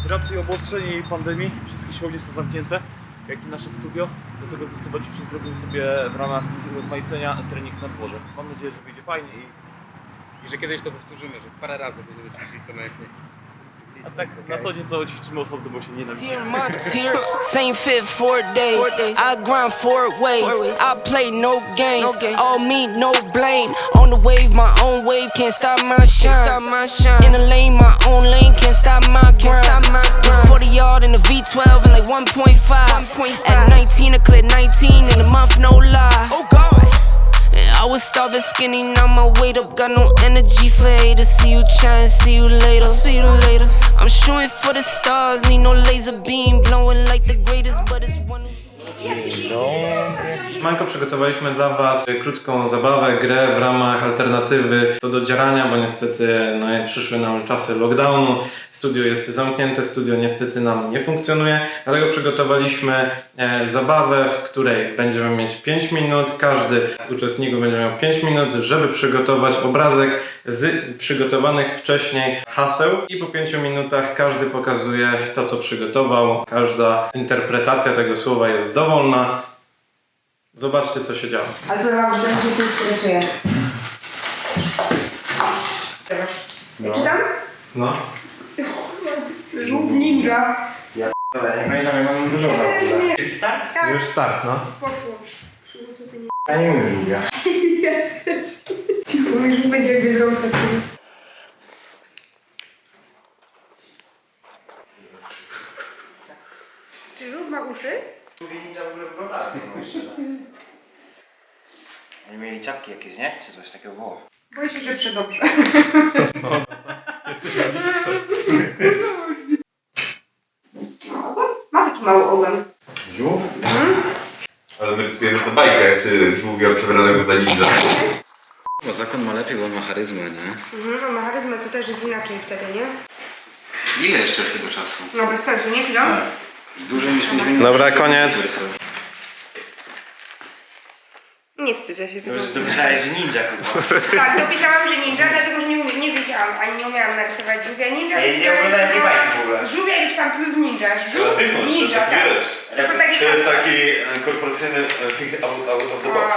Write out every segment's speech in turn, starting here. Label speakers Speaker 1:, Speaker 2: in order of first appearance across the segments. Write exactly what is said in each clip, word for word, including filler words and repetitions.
Speaker 1: Z racji obostrzeń i pandemii wszystkie siłownie są zamknięte, jak i nasze studio. Dlatego zdecydowanie zrobimy sobie w ramach rozmaicenia trening na dworze. Mam nadzieję, że wyjdzie fajnie i,
Speaker 2: I że kiedyś to powtórzymy, że parę razy będziemy ćwiczyć co najmniej.
Speaker 1: a tak na co dzień to ćwiczymy osobno, bo się nienawidzimy.
Speaker 3: Same fit four days. I grind four ways. I play no games. All me, no blame. On the wave, my own wave. Can't stop my shine. In the lane, my own lane. Can't stop my grind. forty yard in the V twelve and like one point five. At nineteen, I cleared nineteen in a month, no lie. Oh God. I was starving skinny, now my weight up. Got no energy for haters. See you trying, see you later. See you later. I'm shooting for the stars, need no laser beam. Blowing like the greatest, but it's one.
Speaker 4: Manko, przygotowaliśmy dla Was krótką zabawę, grę w ramach alternatywy co do dzierania, bo niestety no, przyszły nam czasy lockdownu. Studio jest zamknięte, studio niestety nam nie funkcjonuje, dlatego przygotowaliśmy e, zabawę, w której będziemy mieć pięć minut. Każdy z uczestników będzie miał pięć minut, żeby przygotować obrazek z przygotowanych wcześniej haseł i po pięciu minutach każdy pokazuje to, co przygotował. Każda interpretacja tego słowa jest dowolna. Zobaczcie, co się działo.
Speaker 5: Ale to mam, że się tym stresuje.
Speaker 4: No.
Speaker 5: Czytam?
Speaker 4: No.
Speaker 5: Żółw ninja.
Speaker 4: Ja pamiętam, jak mam dużo
Speaker 5: Tak.
Speaker 4: Już start, no.
Speaker 5: Poszło. Co ty nie...
Speaker 4: Ja nie umiem długa.
Speaker 5: Ja też. Mówisz, że będzie jakby zrobił taki. Czy żółw ma uszy?
Speaker 6: Ninja w ogóle wyglądały, Oni mieli czapki jakieś, nie? Czy coś takiego było?
Speaker 5: Boję się, że przedobrze.
Speaker 4: Jesteśmy blisko.
Speaker 5: Ma taki mały ogon.
Speaker 7: Żółw? Mhm. Ale my rysujemy to bajkę, czy żółwia przebranego za ninja.
Speaker 2: Bo zakon ma lepiej, bo on ma charyzmę, nie?
Speaker 5: Mhm, a ma charyzmę to też jest inaczej wtedy, nie?
Speaker 2: Ile jeszcze z tego czasu?
Speaker 5: No bez sensu, nie chwilą?
Speaker 2: Tak. Dłużej niż pięć minut.
Speaker 4: Dobra, koniec.
Speaker 5: Nie wstydzę się tego.
Speaker 6: Już dopisałeś, że ninja, kurwa.
Speaker 5: Tak, dopisałam, że ninja, dlatego że nie, umie, nie wiedziałam, ani nie umiałam narysować żółwia ninja.
Speaker 6: Ej, nie oglądałem tej bajki w ogóle.
Speaker 5: Żółwia i tam plus ninja. Żółw,
Speaker 7: Kreatywność,
Speaker 5: ninja,
Speaker 7: to tak
Speaker 5: tak.
Speaker 7: wiesz.
Speaker 5: To są takie...
Speaker 7: To jest taki e, korporacyjny e, think out, out of the box.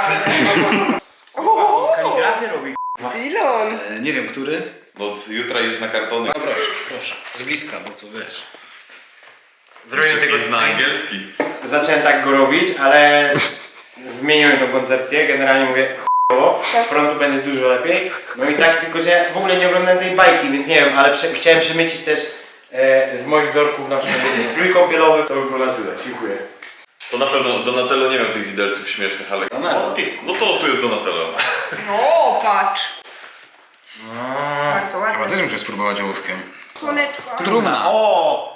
Speaker 5: O,
Speaker 6: Kaligrafię robi.
Speaker 5: Ilon.
Speaker 2: E, nie wiem, który.
Speaker 7: Bo od jutra już na kartony.
Speaker 2: A proszę, proszę. Z bliska, bo to wiesz.
Speaker 6: Zrobiłem tego
Speaker 7: zna angielski.
Speaker 6: Zacząłem tak go robić, ale zmieniłem tą koncepcję. Generalnie mówię ch**owo, z frontu będzie dużo lepiej. No i tak, tylko że w ogóle nie oglądałem tej bajki, więc nie wiem, ale prze chciałem przemycić też e, z moich wzorków, na przykład wiecie, strój kąpielowy, to by było na tyle. Dziękuję.
Speaker 7: To na pewno Donatello nie miał tych widelców śmiesznych, ale...
Speaker 2: Donatello.
Speaker 7: No to tu jest Donatello.
Speaker 5: O, patrz.
Speaker 6: No.
Speaker 5: Bardzo
Speaker 2: Chyba
Speaker 5: ładnie.
Speaker 2: też muszę spróbować ołówkiem.
Speaker 5: Słoneczko.
Speaker 2: Trumna.
Speaker 6: O!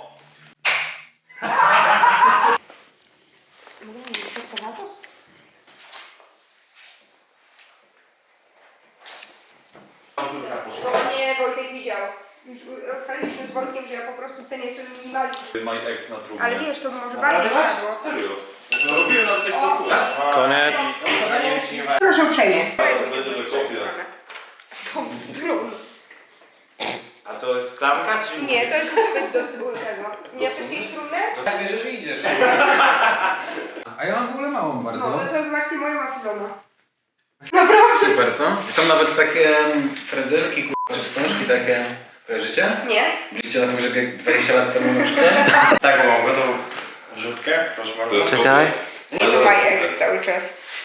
Speaker 5: To nie, Wojtek widział. Już ustaliliśmy z Wojtkiem, że ja po prostu cenię sobie minimalizm.
Speaker 7: My ex na trumnie.
Speaker 5: Ale wiesz, to by może bardziej szło.
Speaker 7: Serio? No robiłem na tych
Speaker 2: Czas.
Speaker 4: Koniec.
Speaker 5: Proszę uprzejmie.
Speaker 7: Będę do kopia.
Speaker 5: W tą stronę.
Speaker 6: A to jest klamka czy...
Speaker 5: Nie, to jest uchwyt do tego. Nie wcześniej trumnę?
Speaker 2: Tak bierzesz i idziesz. A ja mam w ogóle małą bardzo.
Speaker 5: No, no to zobaczcie moją afilona. Naprawdę?
Speaker 2: Super, co? Są nawet takie mm, frędzelki, k***a, czy wstążki takie. Kojarzycie?
Speaker 5: Nie.
Speaker 2: Byliście na pogrzebie dwadzieścia lat temu na przykład?
Speaker 6: Tak, mam gotową rzutkę, proszę bardzo.
Speaker 7: To jest
Speaker 4: Czekaj.
Speaker 5: Nie, to my ex cały czas.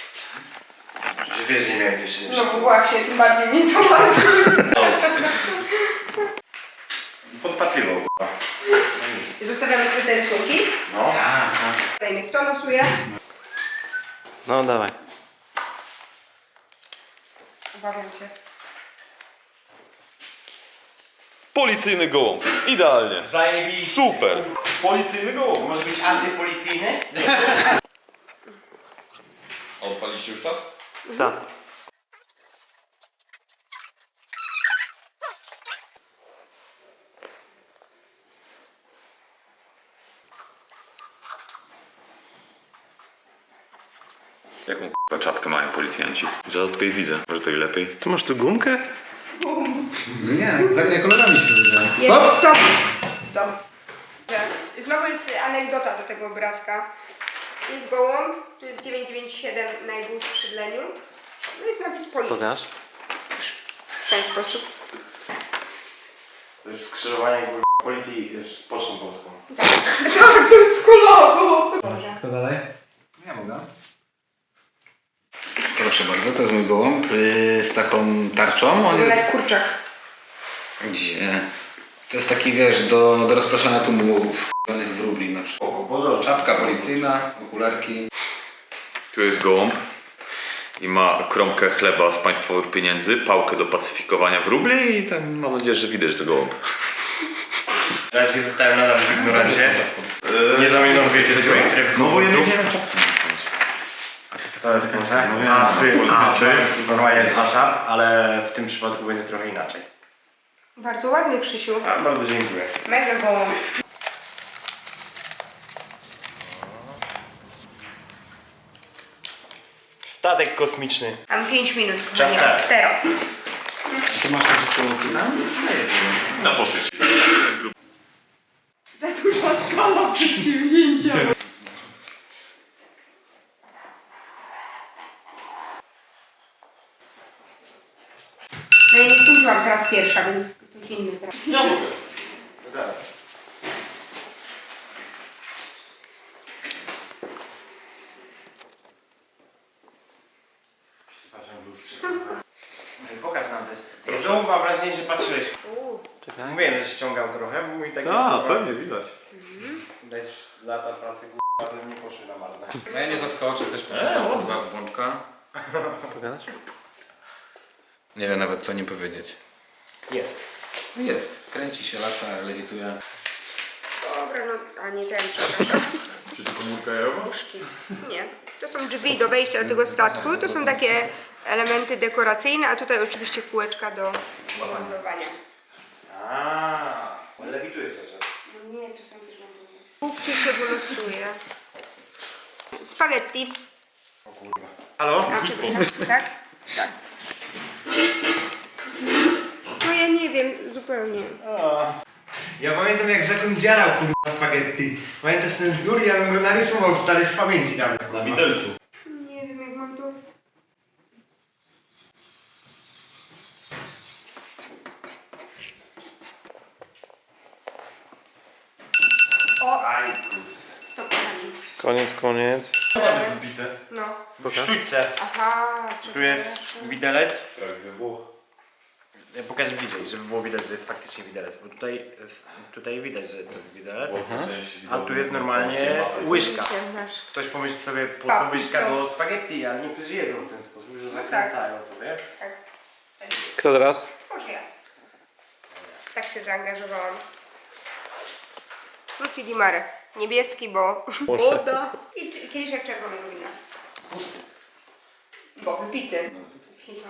Speaker 6: Że wiesz, że nie miałem dziewczyny.
Speaker 5: No bo właśnie, tym bardziej mnie to martwi.
Speaker 6: Podpatrywał, k***a.
Speaker 5: Zostawiamy sobie te rysunki.
Speaker 6: No.
Speaker 2: Tak, tak.
Speaker 5: Dajmy, kto losuje?
Speaker 4: No dawaj.
Speaker 5: Obawiam się.
Speaker 7: Policyjny gołąb. Idealnie.
Speaker 6: Zajebiście.
Speaker 7: Super. Policyjny gołąb.
Speaker 6: Może być antypolicyjny?
Speaker 7: Odpaliście już czas?
Speaker 4: Tak.
Speaker 7: Jaką k***a czapkę mają policjanci? Zaraz tutaj widzę. Może to i lepiej.
Speaker 4: Ty masz tu gumkę?
Speaker 2: Nie, z kolegami się wydaje.
Speaker 5: Jest, stop! Stop. anegdota do tego obrazka. Jest gołąb, tu jest dziewięćset dziewięćdziesiąt siedem na jego skrzydleniu. No jest napis policji.
Speaker 4: Pokaż.
Speaker 5: W ten sposób.
Speaker 6: To jest skrzyżowanie kurwa, policji z Pocztą Polską.
Speaker 5: Tak, tak, to jest kulowo.
Speaker 4: Kto dalej?
Speaker 2: Ja mogę. Proszę bardzo, to jest mój gołąb yy, z taką tarczą. On
Speaker 5: Wygląda
Speaker 2: jest...
Speaker 5: jak kurczak.
Speaker 2: Gdzie? To jest taki, wiesz, do, do rozpraszania tłumu w wróbli na przykład. Czapka policyjna, okularki.
Speaker 7: Tu jest gołąb i ma kromkę chleba z państwowych pieniędzy, pałkę do pacyfikowania wróbli i ten, mam nadzieję, że widać to gołąb.
Speaker 6: Ja się zostałem nadal w ignorancie. Nie zamierzam wiedzieć swojej strefy.
Speaker 7: No bo ja nie
Speaker 6: komfortu.
Speaker 7: wiedziałem czapki.
Speaker 6: To jest tak, a wy, a wy, normalnie jest wasza, ale w tym przypadku będzie trochę inaczej.
Speaker 5: Bardzo ładny, Krzysiu.
Speaker 6: A, bardzo dziękuję.
Speaker 5: Mega gołąb.
Speaker 6: Statek kosmiczny.
Speaker 5: Mam pięć minut,
Speaker 6: Czas
Speaker 5: kochani,
Speaker 6: start.
Speaker 5: teraz.
Speaker 2: Ty masz to wszystko tam?
Speaker 7: Na posyć.
Speaker 5: Za duża skala przedsięwzięcia. No ja nie skończyłam teraz pierwsza, więc ktoś inny teraz.
Speaker 6: Ja mówię. Pokaż nam też. Znowu mam wrażenie, że patrzyłeś. Mówiłem, że ściągał trochę, bo mój taki...
Speaker 7: A, pewnie widać.
Speaker 6: Dać lata pracy, k***a, to nie poszły na marne.
Speaker 2: No ja nie zaskoczę, też poszedłem dwa w bączka.
Speaker 4: Pokaż?
Speaker 2: Nie wiem nawet co nie powiedzieć.
Speaker 6: Jest.
Speaker 2: Jest. Kręci się, lata, lewituje.
Speaker 5: Dobra, no, a nie ten, przepraszam.
Speaker 7: Czy to komórka jajowa?
Speaker 5: Szkic. Nie. To są drzwi do wejścia do tego statku. To są takie elementy dekoracyjne, a tutaj oczywiście kółeczka do lądowania.
Speaker 6: Aaa, on lewituje cały czas.
Speaker 5: No nie, czasami też mam to. Gdzie się wylosuje? Spaghetti.
Speaker 6: Halo?
Speaker 5: A, przepraszam, tak? Tak. No ja nie wiem, zupełnie.
Speaker 6: Ja pamiętam jak zatem dziarał kurwa spaghetti. Pamiętasz ten wzór? Ja bym go narysował stary z pamięci nawet.
Speaker 7: Na widelcu.
Speaker 5: Nie wiem, jak mam to... O!
Speaker 6: Aj kurwa.
Speaker 5: Stop, kochani.
Speaker 4: Koniec, koniec.
Speaker 6: Mamy zbite.
Speaker 5: No.
Speaker 6: W sztućce.
Speaker 5: Aha,
Speaker 6: Tu jest
Speaker 5: przepraszam.
Speaker 6: widelec.
Speaker 7: Prawie wybuch.
Speaker 6: Ja pokażę bliżej, żeby było widać, że jest faktycznie widelec. Bo tutaj, jest, tutaj widać, że to jest widelec. A tu jest normalnie łyżka.
Speaker 5: Nasz.
Speaker 6: Ktoś pomyśli sobie, po co
Speaker 5: Papito.
Speaker 6: łyżka do spaghetti, ale niektórzy jedzą w ten sposób, że zakręcają sobie.
Speaker 5: Tak.
Speaker 4: Kto teraz?
Speaker 5: Może ja. Tak się zaangażowałam. Frutti di mare. Niebieski, bo woda. I czy- kieliszek czerwonego wina. Bo wypity. Fino.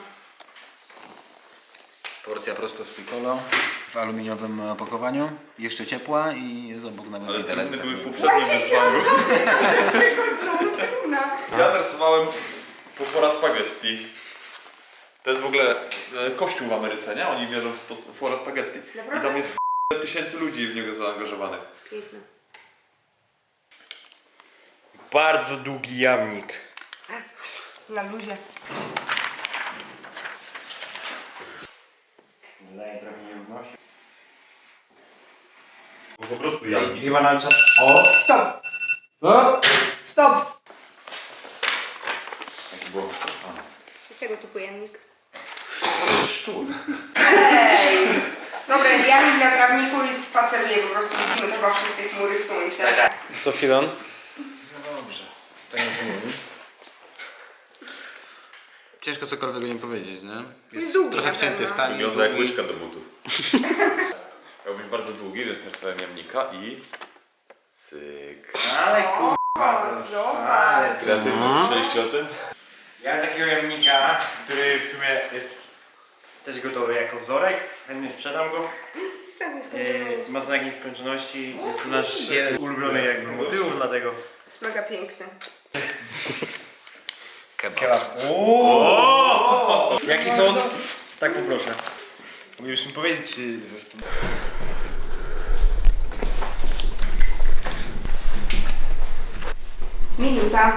Speaker 2: Porcja prosto z piccolo w aluminiowym opakowaniu. Jeszcze ciepła i jest obok nawet
Speaker 7: Ale
Speaker 2: widelec.
Speaker 7: trudne były w poprzednim wyzwaniu.
Speaker 5: Dlaczego znowu trudna?
Speaker 7: Ja narysowałem potwora spaghetti. To jest w ogóle e, kościół w Ameryce, nie? Oni wierzą w potwora spaghetti. I
Speaker 5: Naprawdę?
Speaker 7: tam jest f- tysięcy ludzi w niego zaangażowanych.
Speaker 5: Piękne.
Speaker 6: Bardzo długi jamnik.
Speaker 5: Na luzie.
Speaker 6: Daję trochę nierówności.
Speaker 7: Po prostu ja.
Speaker 6: Chyba na czat. O!
Speaker 5: Stop!
Speaker 6: Co?
Speaker 5: Stop!
Speaker 7: Bo...
Speaker 5: Tego typu jamnik.
Speaker 7: Szczur.
Speaker 5: Ej! Dobra, jest jamnik na trawniku i spaceruję po prostu. Widzimy chyba wszyscy chmury słońca.
Speaker 4: Co Filon?
Speaker 2: No dobrze. To jest mój. Ciężko cokolwiek nie powiedzieć, nie? Jest
Speaker 5: długi
Speaker 2: trochę
Speaker 5: na
Speaker 2: wcięty w
Speaker 5: pewno.
Speaker 2: tani,
Speaker 7: Wygląda jak
Speaker 2: długi.
Speaker 7: łyżka do butów. Miał być bardzo długi, więc narysowałem jamnika i... Cyk.
Speaker 6: Ale kurwa, to
Speaker 5: O,
Speaker 6: jest...
Speaker 5: zobacz.
Speaker 6: Ale
Speaker 7: Kreatywne, słyszeliście o tym?
Speaker 6: Ja mam takiego jamnika, który w sumie jest też gotowy jako wzorek. Chętnie sprzedam go.
Speaker 5: Stop, jest
Speaker 6: E, ma znak nieskończoności. Jest to nasz jeden ulubiony jakby motywów, dlatego...
Speaker 5: Jest mega piękny.
Speaker 2: Kebab.
Speaker 6: Ooo! Jaki sos? Tak poproszę. Moglibyś mi powiedzieć, czy...
Speaker 5: Minuta.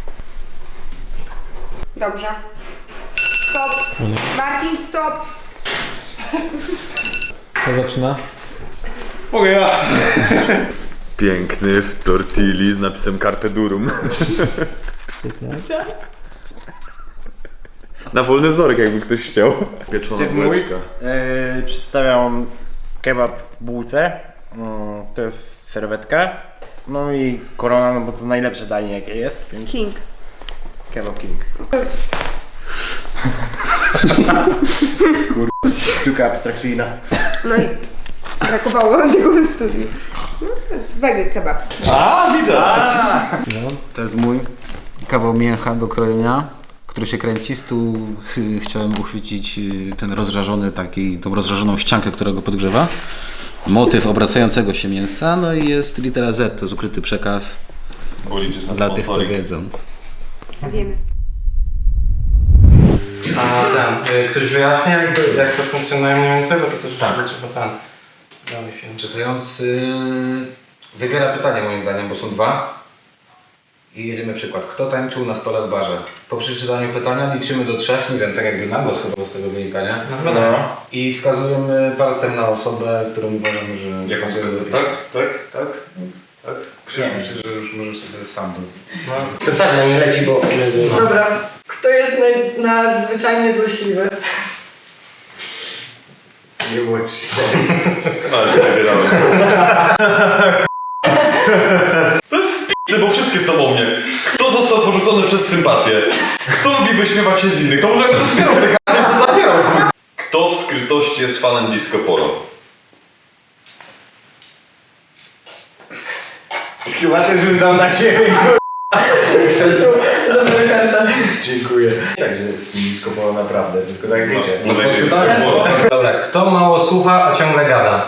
Speaker 5: Dobrze. Stop. Marcin, stop.
Speaker 4: Kto zaczyna?
Speaker 7: Mogę ja. Piękny w tortilli z napisem Carpe Durum. Na wolny wzorek, jakby ktoś chciał. Pieczona
Speaker 6: To jest mój.
Speaker 7: bułeczka.
Speaker 6: Yy, przedstawiam kebab w bułce. Mm, to jest serwetka. No i korona, no bo to najlepsze danie jakie jest, więc
Speaker 5: King.
Speaker 6: kebab king. Kurwa, sztuka abstrakcyjna.
Speaker 5: No i brakowało wam tego w studiu. No, to jest wege kebab.
Speaker 7: A, widać.
Speaker 2: To jest mój kawał mięcha do krojenia, który się kręci. Z tu ch- chciałem uchwycić y, ten rozżarzony taki, tą rozżarzoną ściankę, która go podgrzewa. Motyw obracającego się mięsa, no i jest litera Z, to jest ukryty przekaz
Speaker 7: Bo liczysz na
Speaker 2: dla tych, co
Speaker 7: sponsoring.
Speaker 2: wiedzą.
Speaker 5: Wiemy.
Speaker 4: A ten, y, ktoś wyjaśnia jakby, jak to funkcjonuje mniej więcej, bo to też tak. Trzeba ten, damy film.
Speaker 2: Czytający wybiera pytania moim zdaniem, bo są dwa. I jedziemy przykład. Kto tańczył na stole w barze? Po przeczytaniu pytania liczymy do trzech, nie wiem, tak jakby na głos chyba z tego wynika, nie?
Speaker 4: No.
Speaker 2: I wskazujemy palcem na osobę, którą uważamy, że pasuje do tej.
Speaker 7: Tak, tak, tak. tak.
Speaker 2: Nie, myślę, że już możesz sobie sam do...
Speaker 6: To sadnia nie leci, bo...
Speaker 8: Dobra. Kto jest naj, nadzwyczajnie złośliwy?
Speaker 6: Nie było trzy.
Speaker 7: Ale się wybierałem. To jest spisy, bo wszystkie są o mnie. Kto został porzucony przez sympatię? Kto lubi wyśmiewać się z innych? To może jakby zbierał te karty, co zabierał. Kto w skrytości jest fanem disco polo?
Speaker 6: Chyba też bym dał na siebie,
Speaker 8: Dobra karta.
Speaker 6: Dziękuję. Także z nim skopało naprawdę, tylko tak wiecie.
Speaker 7: No, no, no, no,
Speaker 4: Dobra, kto mało słucha, a ciągle gada?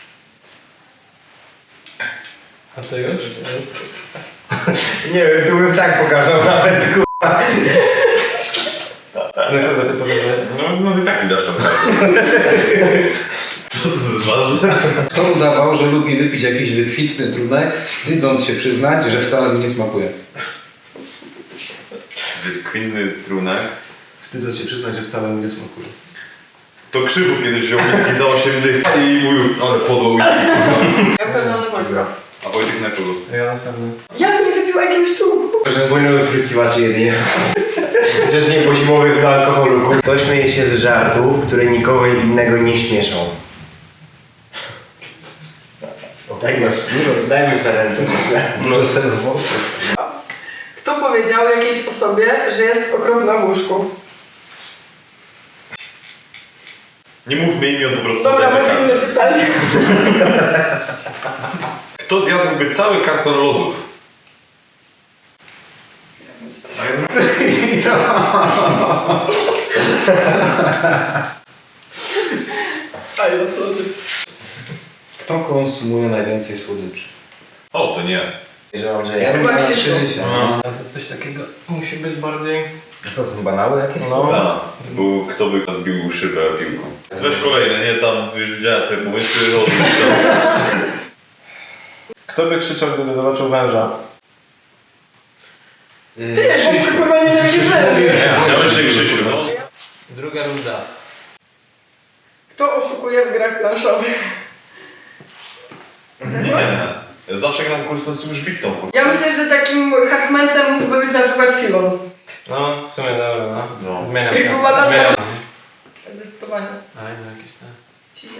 Speaker 4: A ty już?
Speaker 6: Nie wiem, tu bym tak pokazał nawet, kurwa.
Speaker 4: Na kogo ty pokazałeś?
Speaker 7: no, no i tak mi dasz tą kartę. Co to jest ważne?
Speaker 2: Kto udawał, że lubi wypić jakiś wykwitny trunek, wstydząc się przyznać, że wcale mu nie smakuje?
Speaker 7: Wykwinny trunek.
Speaker 4: Wstydzę się przyznać, że wcale mu nie smakuje.
Speaker 7: To Krzywu kiedyś wziął whisky za osiem dych i mówił, ale podło whisky.
Speaker 8: Ja pewno nie wątpię.
Speaker 7: A Wojtek na kogo?
Speaker 4: Ja następny.
Speaker 8: Ja bym nie wypiła jakiegoś czułku.
Speaker 6: Że płynęły fryskiwacze jedynie. Chociaż nie po zimowych do alkoholu. Kto śmieje się z żartów, które nikogo innego nie śmieszą? Dajmy, dużo, dajmy za ręce.
Speaker 2: Dużo serwów.
Speaker 8: Kto powiedział jakiejś osobie, że jest okropna w łóżku?
Speaker 7: Nie mówmy imion, po prostu.
Speaker 8: Dobra,
Speaker 7: dajmy
Speaker 8: może
Speaker 7: kartę.
Speaker 8: inne pytanie.
Speaker 7: Kto zjadłby cały karton lodów?
Speaker 2: Kto konsumuje najwięcej słodyczy?
Speaker 7: O, to nie.
Speaker 6: Że mam, że
Speaker 2: Ja
Speaker 6: ja.
Speaker 2: bym
Speaker 8: Chyba
Speaker 2: miał
Speaker 8: się
Speaker 2: trzy.
Speaker 4: A to coś takiego musi być bardziej...
Speaker 2: Co, to są banały jakieś?
Speaker 4: No.
Speaker 7: A, to był, kto by zbił szybę piłką. Weź kolejne, nie tam, już widziałem te pomysły.
Speaker 4: Kto by krzyczał, gdyby zobaczył węża?
Speaker 8: Ty, bo chyba nie wiem,
Speaker 7: Ja myślę Krzysiu, no.
Speaker 4: Druga runda.
Speaker 8: Kto oszukuje w grach planszowych?
Speaker 7: Nie. Zawsze gram kursem służbistą.
Speaker 8: Ja myślę, że takim hachmentem mógłby być na przykład Filon.
Speaker 4: No, w sumie dobra, no.
Speaker 7: No.
Speaker 4: Zmieniam się.
Speaker 8: Jakby badał-
Speaker 4: Zmieniam.
Speaker 8: Zdecydowanie.
Speaker 4: A, no jakieś te...
Speaker 8: Ciśnie.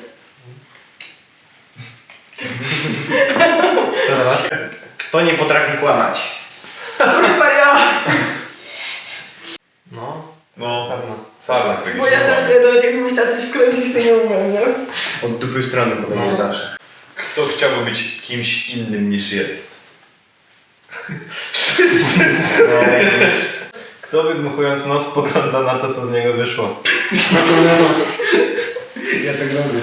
Speaker 4: Teraz?
Speaker 6: Kto nie potrafi kłamać?
Speaker 8: To chyba ja.
Speaker 4: No.
Speaker 7: No,
Speaker 4: Sarna.
Speaker 7: sarna
Speaker 8: Bo ja zawsze nawet jakbym chciała coś wkręcić, to nie umiem, nie?
Speaker 6: Od dupy strony podejmę zawsze.
Speaker 7: Kto chciałby być kimś innym niż jest?
Speaker 4: Kto wydmuchując nos spogląda na to, co z niego wyszło?
Speaker 6: Ja tak robię.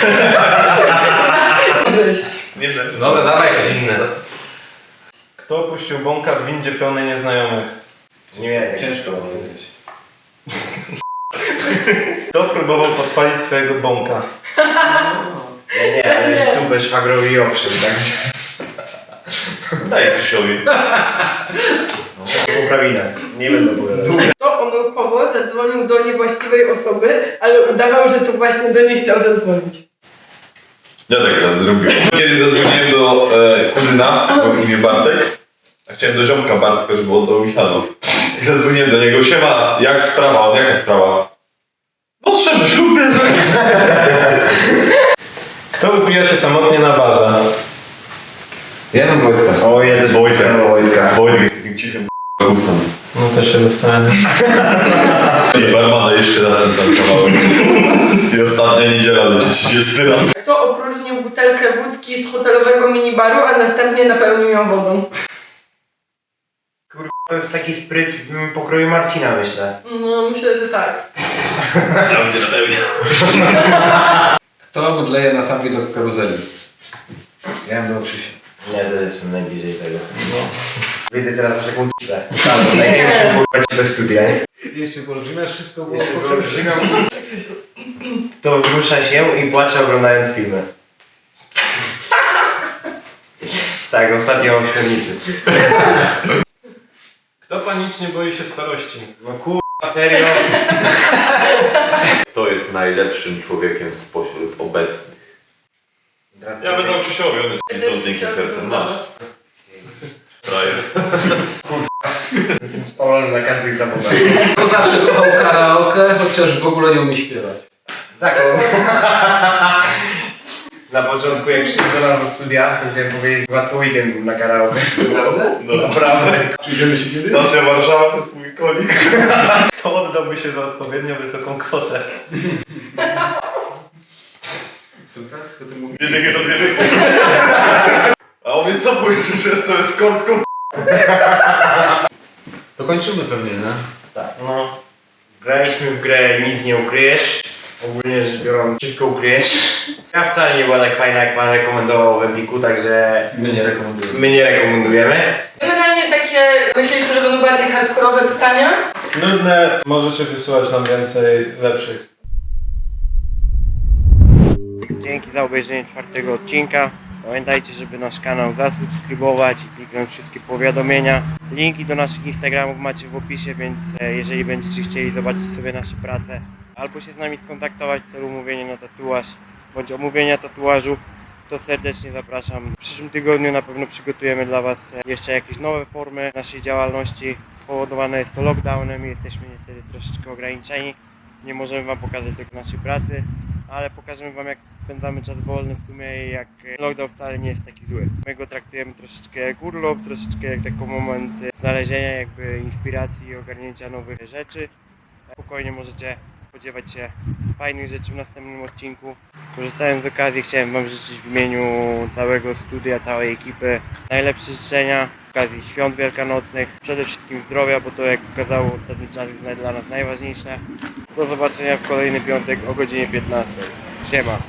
Speaker 8: Żeść.
Speaker 7: Nie wiem.
Speaker 4: Dobra, dawaj jakieś inne. Kto opuścił bąka w windzie pełnej nieznajomych?
Speaker 6: Nie,
Speaker 2: Ciężko powiedzieć.
Speaker 4: Kto próbował podpalić swojego bąka?
Speaker 6: nie, nie, ale dupę szwagrowi owszem, także...
Speaker 7: Daj Krzysiowi.
Speaker 6: Poprawinę. Nie będę opowiadał.
Speaker 8: Kto omyłkowo zadzwonił do niewłaściwej osoby, ale udawał, że to właśnie do niej chciał zadzwonić.
Speaker 7: Ja tak raz zrobiłem. Kiedyś zadzwoniłem do e, kuzyna, o imię Bartek. A chciałem do ziomka Bartka, żeby oddał mi śladów. I zadzwoniłem do niego. Siema, jak sprawa? On, jaka sprawa? No szczerze, ślub bierze.
Speaker 4: Kto upija się samotnie na barze?
Speaker 2: Ja mam Wojtka.
Speaker 6: O, ja też
Speaker 7: Wojtek.
Speaker 6: Wojtka.
Speaker 7: Wojtek jest takim cichym kusem.
Speaker 4: No też się wystałem.
Speaker 7: I barmana jeszcze raz ten sam kawałek. I ostatnia niedziela będzie trzydziesty raz.
Speaker 8: Kto opróżnił butelkę wódki z hotelowego minibaru, a następnie napełnił ją wodą?
Speaker 6: To jest taki spryt w pokroju Marcina, myślę.
Speaker 8: No, myślę, że tak.
Speaker 7: Ja będzie na pełni.
Speaker 2: Kto mdleje na sam widok karuzeli? Ja mam do Krzysia.
Speaker 6: Nie, to jestem najbliżej tego. Wyjdę teraz na taką cipę. Tak, największą kurwa cipę studia, nie?
Speaker 2: Jeszcze poolbrzymiasz wszystko, bo
Speaker 6: Jeszcze wyolbrzymiam. To wzrusza się i płacze oglądając filmy. Tak, ostatnio o średnicy.
Speaker 4: Kto panicznie boi się starości?
Speaker 6: No kurwa, serio?
Speaker 7: Kto jest najlepszym człowiekiem spośród obecnych? Ja będę o Krzysiowi, on jest pizdą z miękkim sercem. Masz. Frajer.
Speaker 6: Jestem spalony na każdych zawodach.
Speaker 2: Kto zawsze kochał karaoke, chociaż w ogóle nie umie śpiewać?
Speaker 6: Tak, on. Na początku jak przyszedłem do nas do studia, to chciałem powiedzieć, łatwo weekend był na karaoke.
Speaker 7: Naprawdę? No
Speaker 6: Naprawdę.
Speaker 7: Przyjdziemy się kiedyś? Stacja Warszawa to jest mój kolik.
Speaker 4: Kto oddałby się za odpowiednio wysoką kwotę?
Speaker 2: Super, co ty mówisz?
Speaker 7: Dwie dychy to dwie dychy. A on mnie co powiedział, że jestem eskortką?
Speaker 2: To kończymy pewnie, nie?
Speaker 6: Tak, no. Graliśmy w grę Nic nie ukryjesz. Ogólnie rzecz biorąc, wszystko ukryjesz. Ja wcale nie była tak fajna, jak pan rekomendował w Empiku, także
Speaker 2: My nie rekomendujemy.
Speaker 6: my nie rekomendujemy.
Speaker 8: Generalnie takie, myśleliśmy, że będą bardziej hardkorowe pytania.
Speaker 4: Nudne, możecie wysyłać nam więcej lepszych.
Speaker 6: Dzięki za obejrzenie czwartego odcinka. Pamiętajcie, żeby nasz kanał zasubskrybować i kliknąć wszystkie powiadomienia. Linki do naszych Instagramów macie w opisie, więc e, jeżeli będziecie chcieli zobaczyć sobie nasze prace albo się z nami skontaktować w celu umówienia na tatuaż bądź omówienia tatuażu, to serdecznie zapraszam. W przyszłym tygodniu na pewno przygotujemy dla Was e, jeszcze jakieś nowe formy naszej działalności. Spowodowane jest to lockdownem i jesteśmy niestety troszeczkę ograniczeni. Nie możemy Wam pokazać tylko naszej pracy, ale pokażemy Wam, jak spędzamy czas wolny w sumie i jak lockdown wcale nie jest taki zły. My go traktujemy troszeczkę jak urlop, troszeczkę jak taki moment znalezienia jakby inspiracji i ogarnięcia nowych rzeczy. Spokojnie możecie spodziewać się fajnych rzeczy w następnym odcinku. Korzystając z okazji, chciałem Wam życzyć w imieniu całego studia, całej ekipy najlepsze życzenia z okazji świąt wielkanocnych. Przede wszystkim zdrowia, bo to, jak pokazało ostatni czas, jest dla nas najważniejsze. Do zobaczenia w kolejny piątek o godzinie piętnastej. Siema!